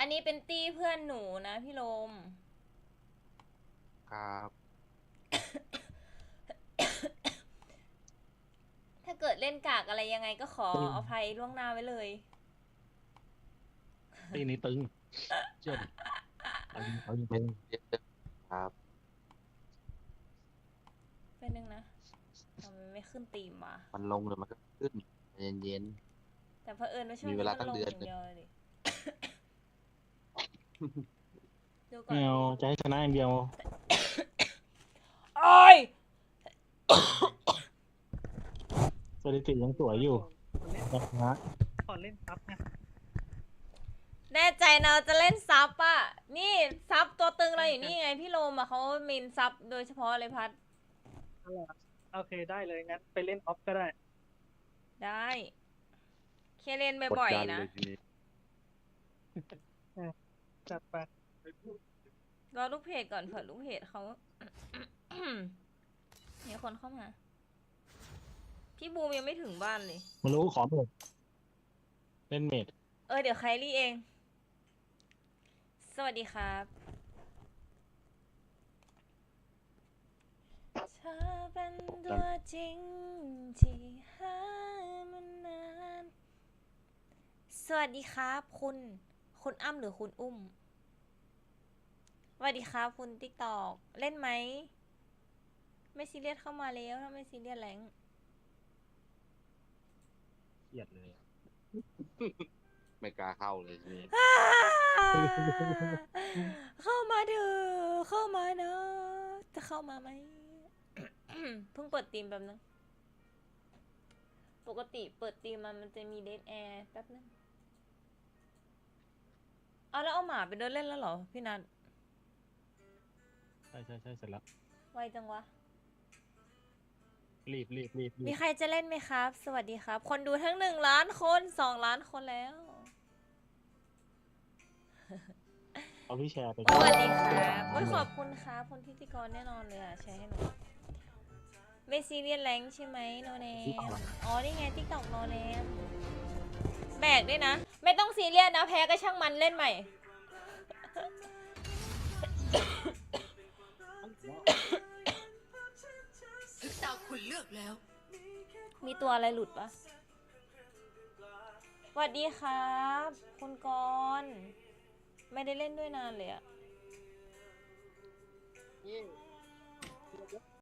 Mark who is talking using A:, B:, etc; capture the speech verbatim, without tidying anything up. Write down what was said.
A: นนี้เป็นตี้เพื่อนหนูนะพี่โลม
B: ครับ
A: ถ้าเกิดเล่นกากอะไรยังไงก็ขอ
C: ตึง
A: อภัยล่วงหน้าไว้เลย
C: ตีนี้ตึงเชื่อดิตึงตึงตึง
B: เยอะครับ
A: เป็นนึงนะทำไมไม่ขึ้นตีมวะ
B: มันลงเลยมันก็ขึ้นเย็น
A: แต่เผอิญว่าช่วง
B: มี
A: นี้
B: เวลา
A: มัน
B: ตั้ง
A: ลง
B: เดื
A: อ
B: อน
A: ย่างเดียวเลยดิ ดูก่อ
C: ไม่
A: น
C: เอาจะให้ชนะอย่างเดียว
A: โอ้ย
C: สถิติยังสวยอยู่นะฮะ
D: ขอเล่นซับนะ
A: แน่ใจนะจะเล่นซับอ่ะ นี่ซับตัวตึงเราอยู่นี่ไงพี่โลมอ่ะเขามินซับโดยเฉพาะเลยพัด
D: อะไรอะโอเคได้เลยงั้นไปเล่นออฟก็ได้
A: ได้เคเล่น
B: ๆกด
A: บ่อย
B: ดัน
A: ๆนะ
B: เลยทีนี้
D: จัดไป
A: รอลูกเพจก่อนเผื่อลูกเพจเขา มีคนเข้ามา พี่บูมยังไม่ถึงบ้านเลย
C: มันรู้ขอเมดเล่นเมด
A: เออเดี๋ยวไคลี่เอง สวัสดีครับเธอเป็นตัวจริงที่หามานาน สวัสดีครับ คุณ คุณอ้ำหรือคุณอุ้ม สวัสดีครับคุณติ๊กตอกเล่นไหม ไม่ซีเรียสเข้ามาแล้วถ้าไม่ซีเรียสแรง
C: เครียดเลยอะ
B: ไม่กล้าเข้าเลยทีนี้
A: เข้ามาเถอะเข้ามาเนอะจะเข้ามาไหม เพิ่งเปิดตีมแป๊บนึง ปกติเปิดตีมมันมันจะมีเดทแอร์แป๊บนึง เอาแล้วเอาหมาไปเดินเล่นแล้วเหรอพี่นัท
C: ใช่ใช่ใช่เสร็จแล้ว
A: ไวจังวะ
C: รีบรีบรีบรี
A: มี
C: บ
A: ใครจะเล่นไหมครับ สวัสดีครับ คนดูทั้งหนึ่งล้านคนสองล้านคนแล้ว
C: เอาพี่แชร์ไป
A: สวัสดีครับโอ้ยขอบคุณครับคนพิธีกรแน่นอนเลยอ่ะแชร์ให้หนูไม่ซีเรียสแรงใช่ไหมโนเนมอ๋อ นี่ไงติ๊กต็อกโนเนมแบกด้วยนะ ไม่ต้องซีเรียสนะ แพ้ก็ช่างมันเล่นใหม่
E: ถึงตาคุณเลือกแล้ว
A: มีตัวอะไรหลุดปะสวัสดีครับ คุณกรณ์ไม่ได้เล่นด้วยนานเลยอะ